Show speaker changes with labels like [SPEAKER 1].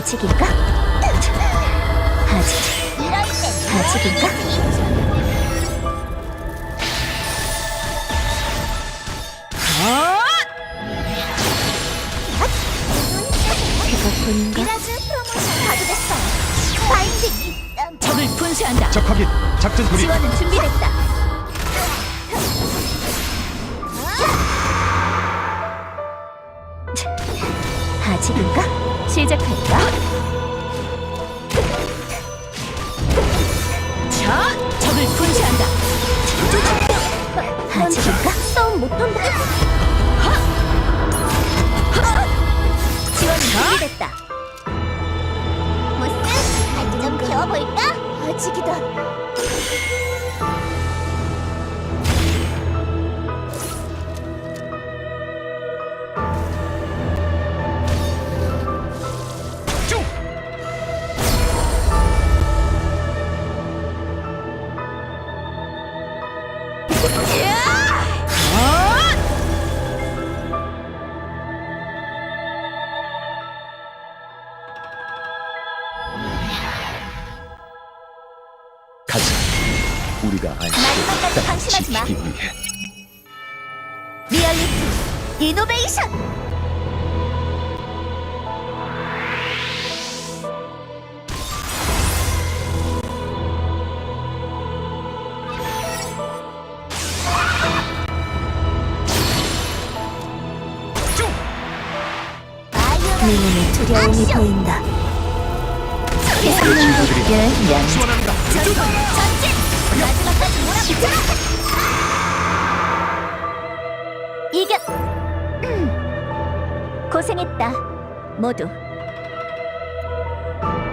[SPEAKER 1] 아직인가? 아직인가? 제가 본인가?
[SPEAKER 2] 미라즈 프로모션 가도 됐어요. 바인딩
[SPEAKER 1] 적을 분쇄한다.
[SPEAKER 3] 적 확인. 작전 돌입.
[SPEAKER 1] 지원은 준비됐다. 아직인가? 시작할까? 자, 적을 분쇄한다. 아직인가?
[SPEAKER 2] 싸움 못한다.
[SPEAKER 1] 지원은 준비됐다.
[SPEAKER 2] 보스, 갈좀 배워볼까? 아직이다.
[SPEAKER 3] 쭉. 가자. 우리가 알 수
[SPEAKER 2] 마지막까지
[SPEAKER 3] 있다.
[SPEAKER 2] 방심하지 마.
[SPEAKER 3] 지키기 위해.
[SPEAKER 2] 리얼리티 이노베이션.
[SPEAKER 3] 쭉.
[SPEAKER 1] 내 눈에 두려움이
[SPEAKER 2] 액션!
[SPEAKER 1] 보인다.
[SPEAKER 3] 우리
[SPEAKER 1] 세상의
[SPEAKER 3] 친구들이
[SPEAKER 1] 명
[SPEAKER 3] 지원합니다.
[SPEAKER 2] 전진! 마지막까지 몰아붙여!
[SPEAKER 1] 이겼. 고생했다, 모두.